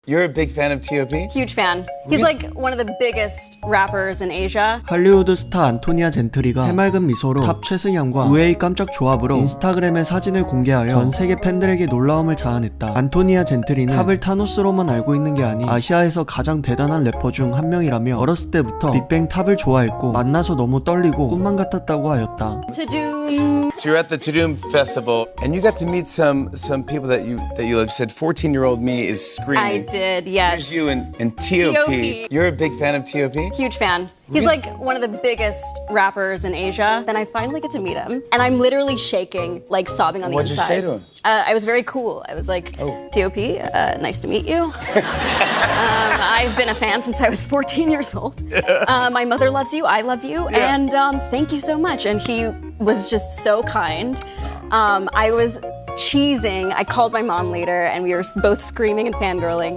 You're a big fan of T.O.P.? Huge fan. He's like one of the biggest rappers in Asia. 할리우드 스타 안토니아 젠트리가 해맑은 미소로 탑 최승현과 우에이 깜짝 조합으로 인스타그램에 사진을 공개하여 전 세계 팬들에게 놀라움을 자아냈다. 안토니아 젠트리는 탑을 타노스로만 알고 있는 게 아닌 아시아에서 가장 대단한 래퍼 중 한 명이라며 어렸을 때부터 빅뱅 탑을 좋아했고 만나서 너무 떨리고 꿈만 같았다고 하였다. Tudum. So you're at the Tudum Festival, and you got to meet some people that you love. You said 14-year-old me is screaming. I did, yes. Here's you and T.O.P. T.O.P.. You're a big fan of T.O.P.? Huge fan. He's like one of the biggest rappers in Asia. Then I finally get to meet him, and I'm literally shaking, like sobbing on the What'd you inside. say to him? I was very cool. I was like, T.O.P., nice to meet you. I've been a fan since I was 14 years old. My mother loves you, I love you, and thank you so much. And he was just so kind. I was cheesing. I called my mom later, and we were both screaming and fangirling.